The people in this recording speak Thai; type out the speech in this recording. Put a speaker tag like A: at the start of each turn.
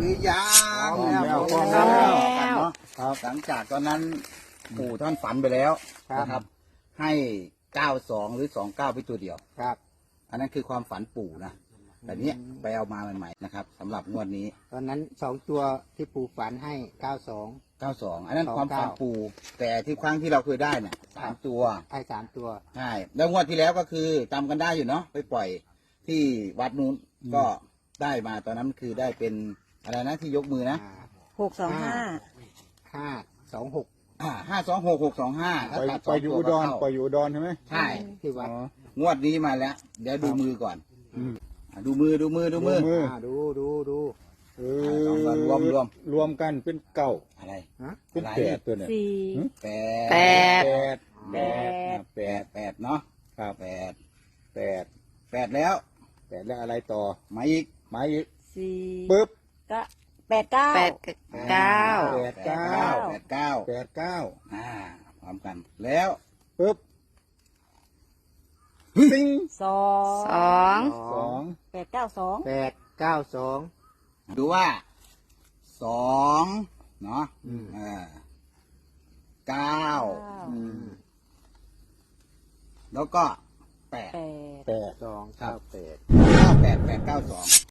A: รือยัง
B: พร้อมแล้ว
A: พร้อม
B: พร้อมแล้ว
A: เนาะครับหลังจากตอนนั้นปู่ท่านฝันไปแล้วนะครับ ให้92หรือ29ไปตัวเดียว
B: ครับ
A: อันนั้นคือความฝันปู่นะแต่เนี้ยไปเอามาใหม่ๆนะครับสำหรับงวดนี้
B: ตอนนั้น2 ตัวที่ปู่ฝันให้92
A: 92อันนั้น
B: 29
A: ความฝันปู่แต่ที่ครั้งที่เราเคยได้เนี่ย3ตัว
B: ให้3 ตัว
A: ใช่แล้วงวดที่แล้วก็คือจำกันได้อยู่เนาะไปปล่อยที่วัดนู้นก็ได้มาตอนนั้นคือได้เป็นอะไรนะที่ยกมือนะ
C: 625
B: 526
A: 526 625
D: ไปอยู่อุดรไปอยู่อุดรใช่ไหม
A: ใช่
B: ที่วัด
A: งวดนี้มาแล้ว เดี๋ยวดูมือก่อน
D: อืม
A: ดูมือ
D: ดูมือ
B: ดู
D: เอ
A: เอามารวม
D: รวมกันเป็นเก้า
A: อะไร
B: ฮะ
D: เป็น
A: อะไร
D: แปดตัวเนี่ย
A: แป
C: แป
A: ด
C: ด
D: แปด
A: แปดเนาะ
D: ครับ
A: แปด
D: แปด
A: แปดแล้ว
D: แปดแล้วอะไรต่อ
A: มาอีก
D: มาอีก
C: 4
D: ปึ๊บ
C: 89
D: แปดเก้า
A: แปดเก้า
D: แปดเก้า
A: พร้อมกันแล้ว
D: ปึ๊บซิง
C: 2
D: สอง
C: 892
B: 892
A: ดูว่าสองเนาะ
B: อืม
A: เก้า
B: อืม
A: แล้วก็แปด
C: 8
D: แปด
B: 298
A: 892